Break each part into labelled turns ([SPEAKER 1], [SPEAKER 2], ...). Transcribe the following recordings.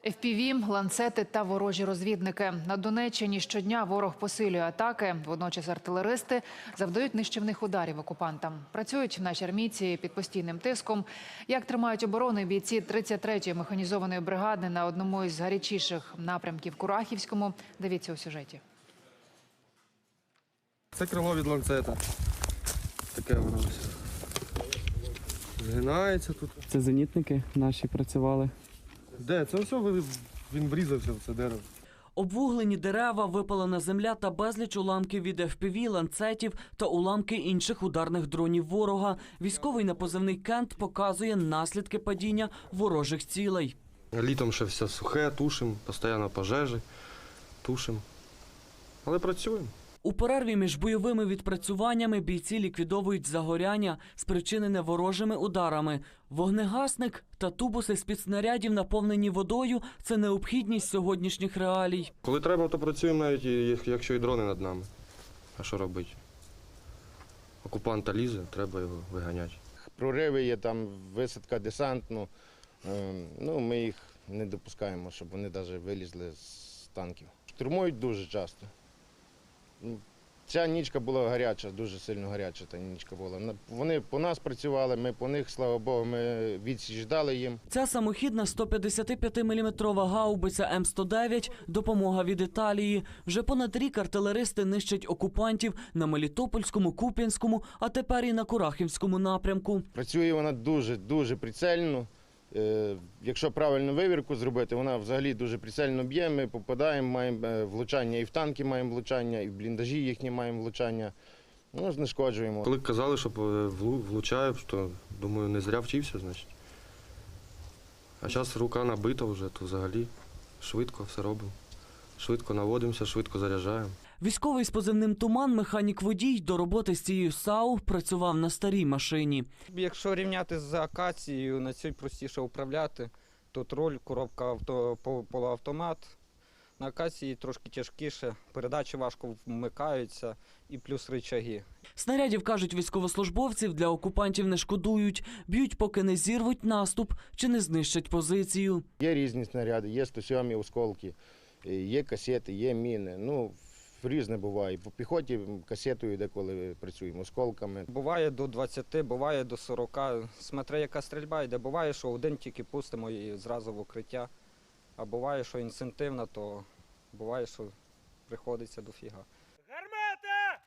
[SPEAKER 1] FPV, ланцети та ворожі розвідники. На Донеччині щодня ворог посилює атаки. Водночас артилеристи завдають нищівних ударів окупантам. Працюють наші армійці під постійним тиском. Як тримають оборону бійці 33-ї механізованої бригади на одному із гарячіших напрямків Курахівському, дивіться у сюжеті.
[SPEAKER 2] Це крило від ланцета. Таке воно ось. Згинається тут.
[SPEAKER 3] Це зенітники наші працювали.
[SPEAKER 2] Де? Це все він врізався в це дерево.
[SPEAKER 4] Обвуглені дерева, випалена земля та безліч уламків від FPV, ланцетів та уламки інших ударних дронів ворога. Військовий на позивний «Кент» показує наслідки падіння ворожих цілей.
[SPEAKER 2] Літом ще все сухе, тушимо, постійно пожежі, тушимо. Але працюємо.
[SPEAKER 4] У перерві між бойовими відпрацюваннями бійці ліквідовують загоряння, спричинене ворожими ударами. Вогнегасник та тубуси з-під снарядів, наповнені водою – це необхідність сьогоднішніх реалій.
[SPEAKER 2] Коли треба, то працюємо навіть, якщо і дрони над нами. А що робити? Окупанта лізе, треба його виганяти.
[SPEAKER 5] Прориви є, там висадка десантну. Ми їх не допускаємо, щоб вони навіть вилізли з танків. Штурмують дуже часто. Ця нічка була гаряча, дуже сильно гаряча та нічка була. Вони по нас працювали, ми по них, слава Богу, ми відсіч дали їм.
[SPEAKER 4] Ця самохідна 155-мм гаубиця М109 – допомога від Італії. Вже понад рік артилеристи нищать окупантів на Мелітопольському, Куп'янському, а тепер і на Курахівському напрямку.
[SPEAKER 5] Працює вона дуже прицельно. Якщо правильно вивірку зробити, вона взагалі дуже прицельно б'є, ми попадаємо, маємо влучання і в танки маємо влучання, і в бліндажі їхні маємо влучання. Знешкоджуємо.
[SPEAKER 2] Коли казали, що влучаю, то, думаю, не зря вчився, значить. А зараз рука набита вже, то взагалі швидко все робимо. Швидко наводимося, швидко заряджаємо.
[SPEAKER 4] Військовий з позивним «Туман», механік-водій, до роботи з цією САУ працював на старій машині.
[SPEAKER 6] Якщо рівняти з акацією, на цій простіше управляти. Тут руль, коробка полуавтомат. На акації трошки тяжкіше, передачі важко вмикаються і плюс рычаги.
[SPEAKER 4] Снарядів, кажуть військовослужбовців, для окупантів не шкодують. Б'ють, поки не зірвуть наступ чи не знищать позицію.
[SPEAKER 5] Є різні снаряди, є 107-і осколки, є касети, є міни. Різне буває. По піхоті касетою деколи працюємо, осколками.
[SPEAKER 6] Буває до 20, буває до 40. Смотри, яка стрільба йде. Буває, що один тільки пустимо і зразу в укриття. А буває, що інцентивна, то буває, що приходиться дофіга.
[SPEAKER 7] Гармата!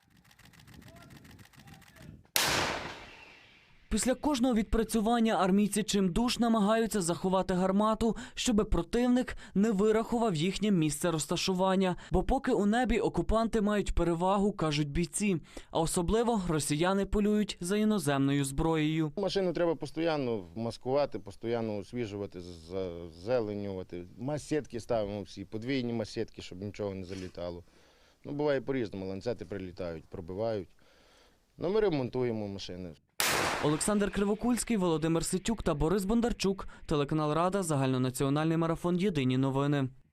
[SPEAKER 4] Після кожного відпрацювання армійці чимдуж намагаються заховати гармату, щоби противник не вирахував їхнє місце розташування. Бо поки у небі окупанти мають перевагу, кажуть бійці. А особливо росіяни полюють за іноземною зброєю.
[SPEAKER 5] Машину треба постійно маскувати, постійно освіжувати, зазеленювати. Масетки ставимо всі, подвійні масетки, щоб нічого не залітало. Буває по-різному, ланцети прилітають, пробивають. Ми ремонтуємо машини.
[SPEAKER 4] Олександр Кривокульський, Володимир Ситюк та Борис Бондарчук. Телеканал «Рада», загальнонаціональний марафон «Єдині новини».